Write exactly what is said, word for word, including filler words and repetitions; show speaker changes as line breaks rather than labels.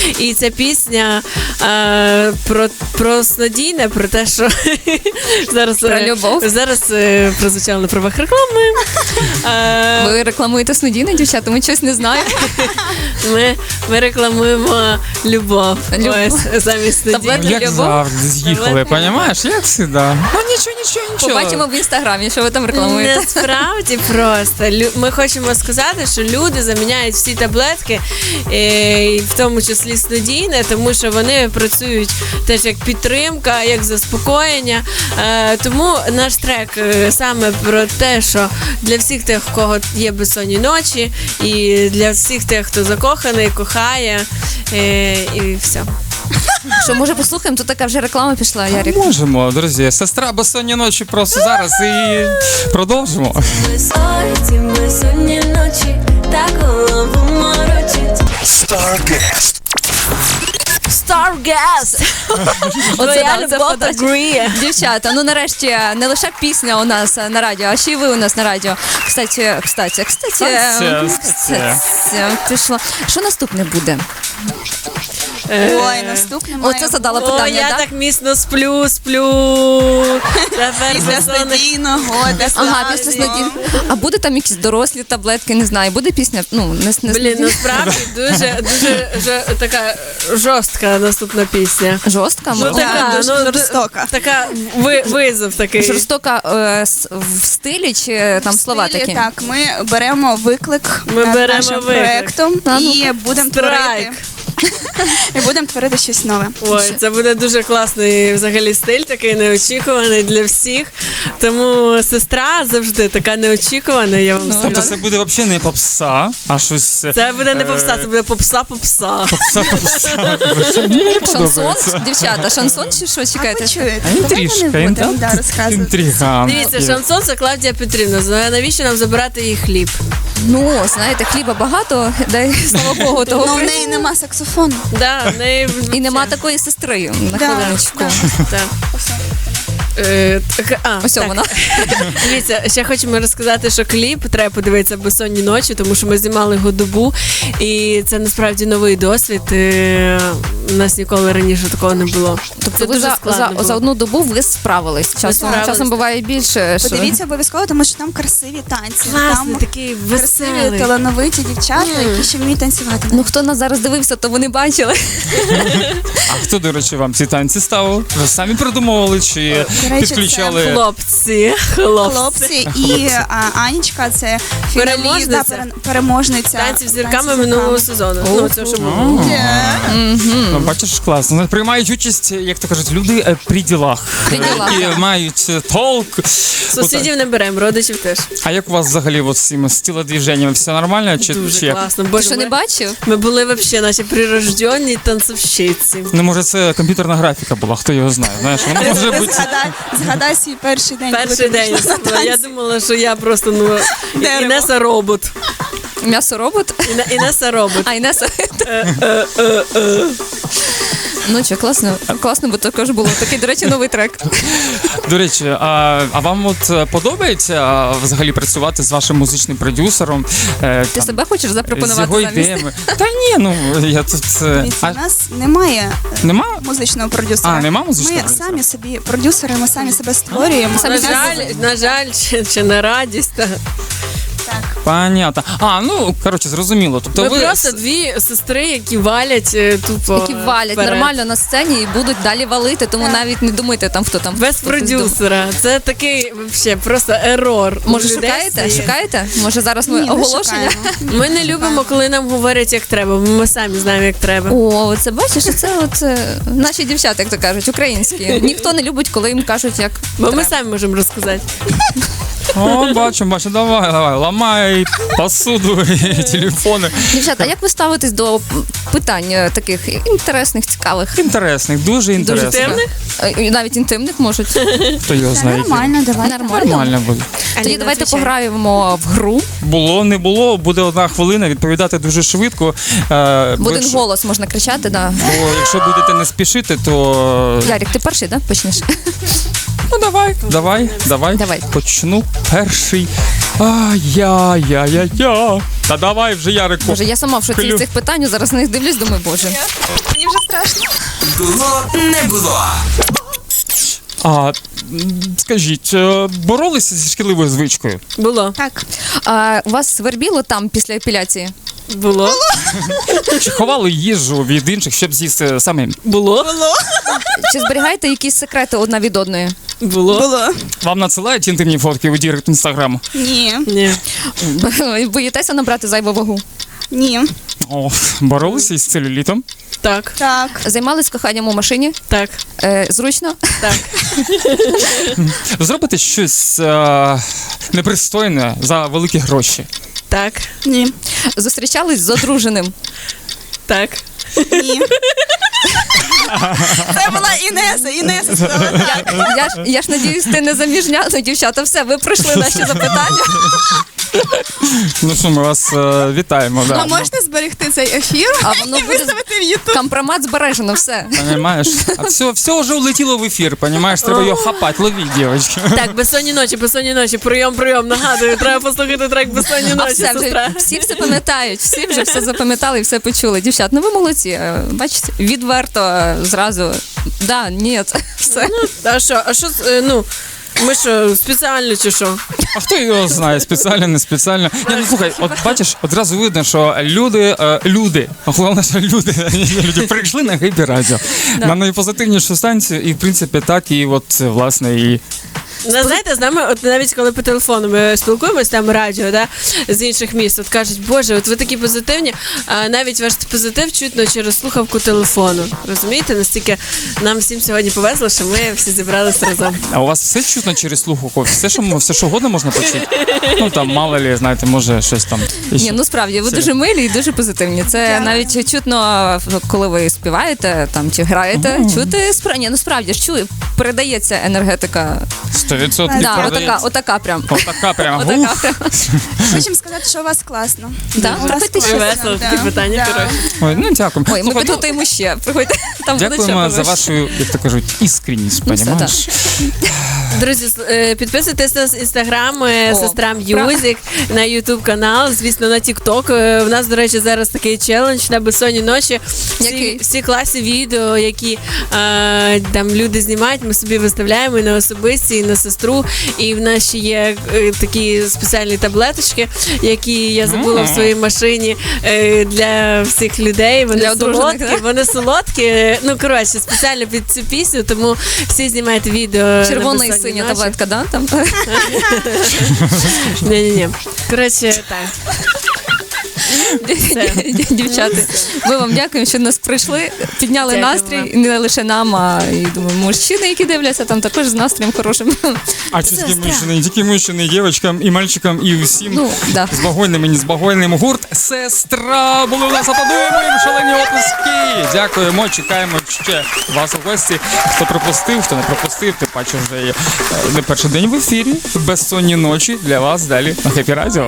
І ця пісня е, про, про снодійне, про те, що зараз,
про любов.
Зараз е, прозвучало на правах реклами. Е,
Ви рекламуєте снодійне, дівчата? Ми щось не знаємо.
Ми, ми рекламуємо любов.
Любов.
Ось, замість снодійне.
Як завжди, з'їхали, розумієш? Як завжди. Ну нічого, нічого, нічого.
Побачимо в інстаграмі, що ви там рекламуєте.
Насправді просто. Лю- Ми хочемо сказати, що люди заміняють всі таблетки, е, в тому числі снодійне, тому що вони працюють теж як підтримка, як заспокоєння. Е, Тому наш трек е, саме про те, що для всіх тих, в кого є безсонні ночі, і для всіх тих, хто закоханий, кохає, е, і все.
Що, може, послухаємо? Тут така вже реклама пішла, Ярик.
Можемо, друзі. Сестра безсонні ночі просто зараз і продовжимо.
Ці безсонні ночі, так голову морочить.
Starcast.
Stargaz!
Оце
Твоя
да, це
любов
подача.
так гріє.
Дівчата, ну нарешті не лише пісня у нас на радіо, а ще й ви у нас на радіо. Кстати, кстати, кстати,
Кстати, кстати.
кстати, пішло. Що наступне буде?
Ой, наступне має
Оце задала
О,
питання,
я
да?
так міцно сплю, сплю. Тепер
після
безсонних-
стадійного,
Ага, після снодійного. А буде там якісь дорослі таблетки, не знаю. Буде пісня, ну, не, не
Блін, насправді дуже, дуже жо- така жорстка наступна пісня.
жорстка,
Ну,
може?
така,
дуже
ну,
жорстока.
Така ви, визов такий.
Жорстока е, с- в стилі чи там слова
Стилі,
такі?
Так, ми беремо виклик
Ми
над
беремо
нашим
виклик.
проектом
Та, ну,
і будемо
Страйк.
творити. І будемо творити щось нове.
Ой, це буде дуже класний взагалі стиль, такий неочікуваний для всіх. Тому сестра завжди така неочікувана, я вам
Тобто
скажу.
це буде взагалі не попса, а щось...
Це буде не
е,
попса, це буде попса-попса.
Попса, попса. Мені
Шансон?
подобається.
Дівчата, шансон чи що чекаєте?
Ви чуєте?
А інтрижка,
Давайте не будемо
інтрига.
да, розказувати.
Інтрига.
Дивіться, шансон це Клавдія Петрівна. Знає, навіщо нам забирати її хліб?
Ну, знаєте, хліба багато, дай слава Богу, того
Ну, в
при-
неї нема саксофону.
Да, в неї...
і нема такої сестри на
Да,
хвилиночку.
да.
Так. Е, так, а,
Ось
так.
вона.
Дивіться, ще хочемо розказати, що кліп треба подивитися «Безсонні ночі», тому що ми знімали його добу, і це насправді новий досвід. е, У нас ніколи раніше такого не було.
Тобто
Це
ви
дуже
за,
складно
за,
було.
за одну добу ви справились. Часом,
справились.
часом буває більше. Що...
Подивіться обов'язково, тому що там красиві танці.
Класний,
Там
такий
красиві,
веселий.
талановиті дівчата, які ще вміють танцювати.
Ну, хто нас зараз дивився, то вони бачили.
А хто, до речі, вам ці танці ставив? Ви самі придумували чи
До речі,
підключали?
Хлопці, хлопці.
Хлопці і а, Анічка, це фіналіст,
Переможниця.
да, пере- переможниця.
Танці з зірками
«Танці з
минулого
зірками».
сезону. Ну, це що було.
Ну, бачиш, класно. Ну, приймають участь, як то кажуть, люди е, при ділах,
При ділах.
які мають е, толк.
Сусідів не беремо, родичів теж.
А як у вас взагалі от з цими з тілодвіженнями? Все нормально? Чи,
Дуже
чи як?
класно.
Ти
Боже,
що не
ми,
бачив?
ми були взагалі наші прирождені танцовщиці.
Ну, може, це комп'ютерна графіка була, хто його знає. Знаєш, вона може бути.
Згадай, згадай свій перший день. коли
Перший
ти
день.
пішла на
Я
танці.
думала, що я просто ну
Дерево.
Інеса робот.
М'ясо робот?
Іна- Інеса робот.
А, Інеса. Ну що, класно, класно, бо також було. Такий, до речі, новий трек.
До речі, а, а вам от е, подобається а, взагалі працювати з вашим музичним продюсером? Е,
Ти
там,
себе хочеш
з
запропонувати
його
замість?
ідеями? Та ні, ну я тут. е,
Дивіться,
А,
у нас немає е,
нема?
музичного продюсера.
А, нема музичного
Ми
продюсера?
самі собі продюсери, ми самі себе створюємо.
На жаль, на жаль, чи, чи на радість. Та.
Понятно. А, ну коротше, зрозуміло. Тобто
Ми
ви
просто дві сестри, які валять е, тупо.
Які валять
вперед.
нормально на сцені і будуть далі валити, тому навіть не думайте там, хто там.
Без
хто щось
продюсера. Це такий вообще просто ерор.
думає. Може,
У людей
шукаєте?
це є.
Шукаєте? Може, зараз ми
Ні, не
оголошення?
шукаємо.
Ми не любимо, коли нам говорять, як треба. бо Ми самі знаємо, як треба.
О, це бачиш, це от е, наші дівчата, як то кажуть, українські. Ніхто не любить, коли їм кажуть, як
Бо ми
треба.
самі можемо розказати.
О, бачимо, бачимо, давай, давай, ламай посуду і телефони.
Дівчата, а як ви ставитесь до питань е, таких інтересних, цікавих?
Інтересних, дуже інтересних.
інтимних?
Е, і навіть інтимних можуть?
Хто його
Та
знає? які?
нормально, давай.
Нормально.
Нормально буде.
Тоді
Аліна,
давайте
отвечай.
пограємо в гру.
Було, не було, буде одна хвилина, відповідати дуже швидко. Е,
В
бо
один
якщо-
голос можна кричати, да.
Бо якщо будете не спішити, то
Ярик, ти перший, да? Почнеш?
ну давай, давай, давай,
Давай.
почну перший Ай-я-я-я-я. Та давай вже, Ярику.
Боже, я сама в шоці
Клю.
з цих питань, зараз на них дивлюсь, думаю, боже.
Мені вже страшно.
Було не було.
А, м, скажіть, е, боролися зі шкідливою звичкою?
Було.
Так.
А у вас свербіло там після епіляції?
Було.
Чи ховали їжу від інших, щоб з'їсти самим?
Було.
Чи зберігаєте якісь секрети одна від одної?
Було.
Було.
Вам надсилають інтимні фотки у дірект інстаграму?
Ні.
Ні.
Боїтеся набрати зайву вагу?
Ні.
О, боролися із целюлітом?
Так.
Так.
Займались коханням у машині?
Так.
Е, зручно?
Так.
Зробити щось е, непристойне за великі гроші?
Так.
Ні.
Зустрічались з одруженим?
Так.
Ні. Це була Інеса. Інеса сказала.
Я, я, ж, я ж надіюсь, ти не заміжня. Ну, дівчата, все, ви пройшли наші запитання.
Ну що, ми вас е, вітаємо. Да.
А можете зберегти цей ефір
А воно
і
буде
виставити в Ютуб?
компромат збережено, все.
Понимаєш? А все, все вже улетіло в ефір, понимаєш? Треба його хапати, ловіть, дівчатки.
Так, безсонні ночі, безсонні ночі, прийом, прийом, нагадую, треба послухати трек безсонні
А
ночі,
все,
сестра.
вже, всі все пам'ятають, всі вже все запам'ятали і все почули. Дівчат, ну ви молодці. Е, Бачите, відверто е, зразу. Да, ні, все.
А що, а що, е, ну, ми що, спеціально чи що?
А хто його знає, спеціально, не спеціально. Ні, ну слухай, от бачиш, одразу видно, що люди, е, люди, головне, що люди, люди прийшли на Хеппі Радіо, на найпозитивнішу станцію, і в принципі так, і от, власне, і
Ну, знаєте, з нами, от навіть коли по телефону ми спілкуємось, там радіо, да, з інших міст, от кажуть, боже, от ви такі позитивні, а навіть ваш позитив чутно через слухавку телефону. Розумієте, настільки нам всім сьогодні повезло, що ми всі зібралися разом.
А у вас все чутно через слухавку? Все, що, все, що угодно можна почути? Ну, там, мало лі, знаєте, може, щось там.
Ні, ну справді, ви дуже милі і дуже позитивні. Це навіть чутно, коли ви співаєте там чи граєте, чути справді. Ні, ну справді ж чую, передається енергетика.
сто відсотків
Да, отака,
передається.
отака прям.
Отака прямо.
Отака
Ух.
прям.
Хочемо сказати, що у вас класно.
Да?
У вас
Приходьте ще.
класно,
Весело,
да.
такі питання,
Да.
коротше.
Ой, ну дякую.
Ой, ми
Слухай, ну,
підготуємо ще. Приходьте, там буде
дякуємо
ще
за
повище.
вашу, як то кажуть, іскренність,
Ну, все,
понімаєш?
Друзі, с- е, підписуйтесь на інстаграм е,
О,
сестра М'юзик, на ютуб канал, звісно, на Тікток. У нас, до речі, зараз такий челендж на безсонні ночі. Всі,
Який?
всі класи відео, які е, там люди знімають, ми собі виставляємо і на особисті, і на сестру. І в нас ще є е, такі спеціальні таблеточки, які я забула в своїй машині е, для всіх людей. Вони
Для одружених,
солодкі,
да?
вони солодкі. Ну, коротше, спеціально під цю пісню, тому всі знімають відео. на
Червона і
безсонні
синя
ночі.
таблетка, да? Там.
Ні-ні-ні. Коротше, так.
Дівчата, ми вам дякуємо, що нас прийшли, підняли
Дякую
настрій,
вам.
і не лише нам, а і думаю, мужчини, які дивляться, там також з настроєм хорошим.
А чи тільки мужчини, тільки мужчини, і дівчатам, і мальчикам, і усім.
Ну, да.
З багойним і не з багойним. Гурт «Сестра» були у нас, аплодуємо їм, шалені оплески. Дякуємо, чекаємо ще вас у гості. Хто пропустив, хто не пропустив, ти бачиш вже є е, не перший день в ефірі. Безсонні ночі для вас далі на Хеппі Радіо.